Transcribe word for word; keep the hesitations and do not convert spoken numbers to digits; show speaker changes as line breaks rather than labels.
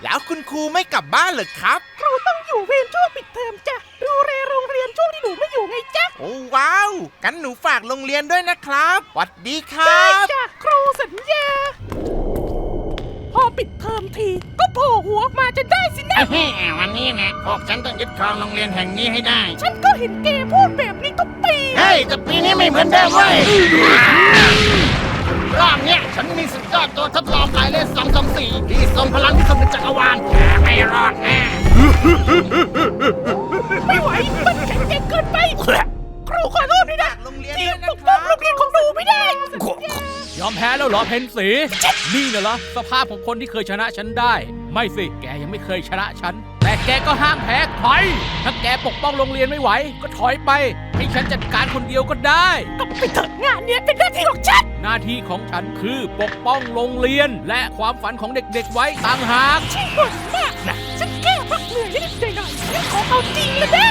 แล้วคุณครูไม่กลับบ้านเหรอครับ
ครูต้องอยู่เวรช่วงปิดเทอมจ้ะดูแลโรงเรียนช่วงที่หนูไม่อยู่ไงจ๊ะ
โอ้ว้าวกันหนูฝากโรงเรียนด้วยนะครับหวัดดีครั
ได้
บ
จ้ะครูสัญญาพอปิดเทอมทีก็โผล่หัวออกมาจะได้สินะ
เฮ้ยวันนี้นะพวกฉันต้องยึดครองโรงเรียนแห่งนี้ให้ได้
ฉันก็เห็นแกพูดแบบนี้ทุกปี
เฮ้ยแต่ปีนี้ไม่เหมือนเดิมเว้ยรอบเนี้ยฉันมีสุดยอดตัวทดลองหมายเลขสองสองสี่ที่ทรงพลังที่สุดในจักรวาลแกไม่รอดแน่
ไม่ไหวมันแข็งแกร่งเกินไปครูขอโทษด้วยนะ
โรงเรียน
ที่
ด้วยนะ
ปกป้อง
ครับ
โรงเรียนของหนูไม่ได้
ยอมแพ้แล้วเหรอเพนสีนี่น่ะเหรอสภาพของคนที่เคยชนะฉันได้ ไม่สิแกยังไม่เคยชนะฉันแต่แกก็ห้ามแพ้ถอยถ้าแกปกป้องโรงเรียนไม่ไหวก็ถอยไปให้ฉันจัดการคนเดียวก็ได้
ก็ไปเถอะงานเนี้ยเป็นหน้าที่ของฉัน
หน้าที่ของฉันคือปกป้องโรงเรียน และความฝันของเด็กๆไว้ต่างหาก
ที่บ่นมากนะฉันแค่พักเหนื่อยนิดหน่อยๆฉันขอเอาจริงเลยนะ